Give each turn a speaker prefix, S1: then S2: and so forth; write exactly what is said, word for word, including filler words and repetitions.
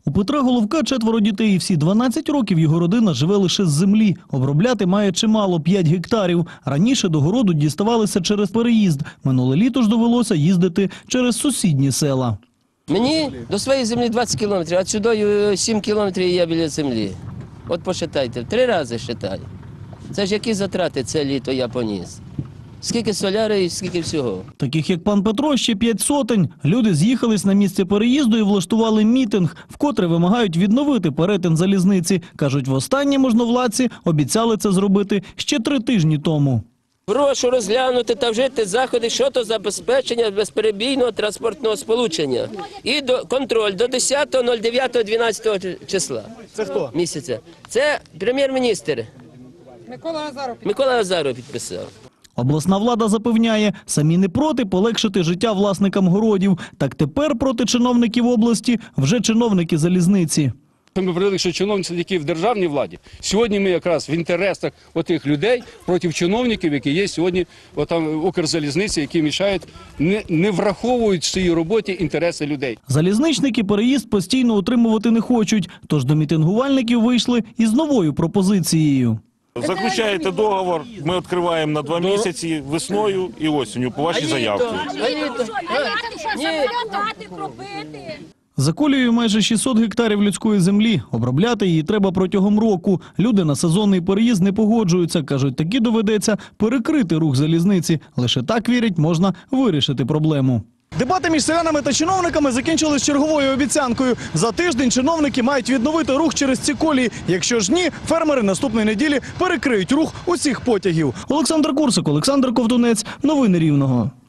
S1: У Петра Головка четверо дітей, і всі дванадцять років його родина живе лише з землі. Обробляти має чимало – п'ять гектарів. Раніше до городу діставалися через переїзд. Минуле літо ж довелося їздити через сусідні села.
S2: Мені до своєї землі двадцять кілометрів, а сюди сім кілометрів і я біля землі. От посчитайте, три рази считаю. Це ж які затрати це літо я поніс. Скільки соляри і скільки всього.
S1: Таких, як пан Петро, ще п'ять сотень. Люди з'їхались на місце переїзду і влаштували мітинг, вкотре вимагають відновити перетин залізниці. Кажуть, востаннє можновладці обіцяли це зробити ще три тижні тому.
S2: Прошу розглянути та вжити заходи щодо забезпечення безперебійного транспортного сполучення. І до, контроль до десятого дев'ятого дванадцятого числа.
S1: Це хто?
S2: Місяця. Це прем'єр-міністр.
S3: Микола Азаров.
S2: Микола Азаров підписав.
S1: Обласна влада запевняє, самі не проти полегшити життя власникам городів. Так тепер проти чиновників області вже чиновники залізниці.
S4: Ми говорили, що чиновниці, які в державній владі, сьогодні ми якраз в інтересах отих людей проти чиновників, які є сьогодні в Укрзалізниці, які мішають, не, не враховують в своїй роботі інтереси людей.
S1: Залізничники переїзд постійно утримувати не хочуть, тож до мітингувальників вийшли із новою пропозицією.
S5: Заключаєте договор, ми відкриваємо на два місяці весною і осінню по вашій заявці.
S1: За колією майже шістсот гектарів людської землі. Обробляти її треба протягом року. Люди на сезонний переїзд не погоджуються. Кажуть, таки доведеться перекрити рух залізниці. Лише так, вірять, можна вирішити проблему. Дебати між селянами та чиновниками закінчились черговою обіцянкою. За тиждень чиновники мають відновити рух через ці колії. Якщо ж ні, фермери наступної неділі перекриють рух усіх потягів. Олександр Курсик, Олександр Ковтунець. Новини Рівного.